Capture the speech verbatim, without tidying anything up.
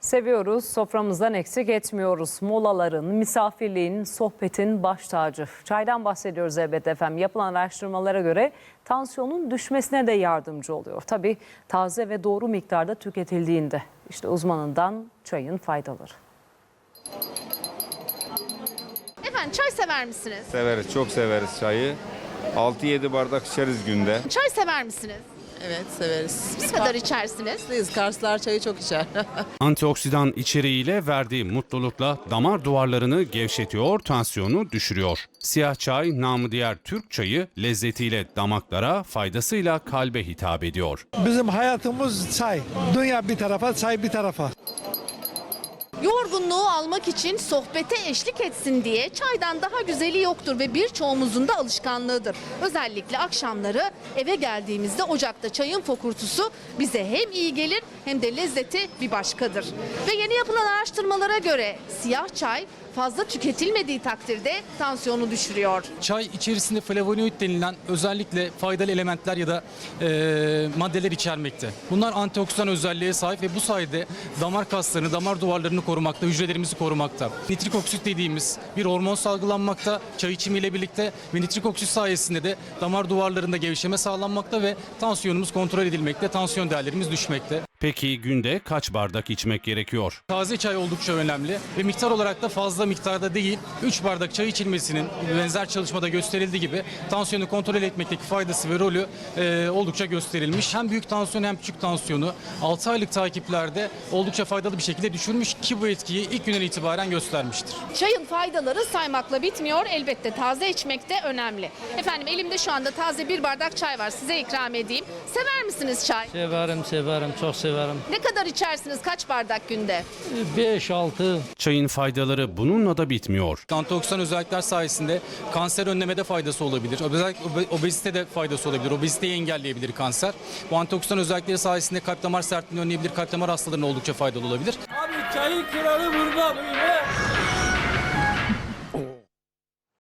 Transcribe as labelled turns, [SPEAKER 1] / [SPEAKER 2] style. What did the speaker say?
[SPEAKER 1] Seviyoruz, soframızdan eksik etmiyoruz. Molaların, misafirliğin, sohbetin baş tacı. Çaydan bahsediyoruz elbette efendim. Yapılan araştırmalara göre tansiyonun düşmesine de yardımcı oluyor. Tabii taze ve doğru miktarda tüketildiğinde. İşte uzmanından çayın faydaları.
[SPEAKER 2] Efendim çay sever misiniz?
[SPEAKER 3] Severiz, çok severiz çayı. altı yedi bardak içeriz günde.
[SPEAKER 2] Çay sever misiniz?
[SPEAKER 4] Evet, severiz.
[SPEAKER 2] Ne kadar içersiniz?
[SPEAKER 4] Biz Karslar çayı çok içer.
[SPEAKER 5] Antioksidan içeriğiyle verdiği mutlulukla damar duvarlarını gevşetiyor, tansiyonu düşürüyor. Siyah çay, namı diğer Türk çayı, lezzetiyle damaklara, faydasıyla kalbe hitap ediyor.
[SPEAKER 6] Bizim hayatımız çay. Dünya bir tarafa, çay bir tarafa.
[SPEAKER 2] Yorgunluğu almak için sohbete eşlik etsin diye çaydan daha güzeli yoktur ve birçoğumuzun da alışkanlığıdır. Özellikle akşamları eve geldiğimizde ocakta çayın fokurtusu bize hem iyi gelir hem de lezzeti bir başkadır. Ve yeni yapılan araştırmalara göre siyah çay fazla tüketilmediği takdirde tansiyonu düşürüyor.
[SPEAKER 7] Çay içerisinde flavonoid denilen özellikle faydalı elementler ya da e, maddeler içermekte. Bunlar antioksidan özelliğe sahip ve bu sayede damar kaslarını, damar duvarlarını korumakta, hücrelerimizi korumakta. Nitrik oksit dediğimiz bir hormon salgılanmakta çay içimiyle birlikte ve nitrik oksit sayesinde de damar duvarlarında gevşeme sağlanmakta ve tansiyonumuz kontrol edilmekte, tansiyon değerlerimiz düşmekte.
[SPEAKER 5] Peki günde kaç bardak içmek gerekiyor?
[SPEAKER 7] Taze çay oldukça önemli ve miktar olarak da fazla miktarda değil, üç bardak çay içilmesinin benzer çalışmada gösterildiği gibi tansiyonu kontrol etmekteki faydası ve rolü e, oldukça gösterilmiş. Hem büyük tansiyon hem küçük tansiyonu altı aylık takiplerde oldukça faydalı bir şekilde düşürmüş ki bu etkiyi ilk günden itibaren göstermiştir.
[SPEAKER 2] Çayın faydaları saymakla bitmiyor. Elbette taze içmek de önemli. Efendim elimde şu anda taze bir bardak çay var. Size ikram edeyim. Sever misiniz çay?
[SPEAKER 8] Severim, severim, çok severim.
[SPEAKER 2] Ne kadar içersiniz? Kaç bardak günde?
[SPEAKER 8] beş altı.
[SPEAKER 5] Çayın faydaları bununla da bitmiyor.
[SPEAKER 7] Antioksidan özellikler sayesinde kanser önlemede faydası olabilir. Özellikle obezitede faydası olabilir. Obeziteyi engelleyebilir kanser. Bu antioksidan özellikleri sayesinde kalp damar sertliğini önleyebilir. Kalp damar hastalarına oldukça faydalı olabilir.
[SPEAKER 8] Abi çayın kralı burada böyle.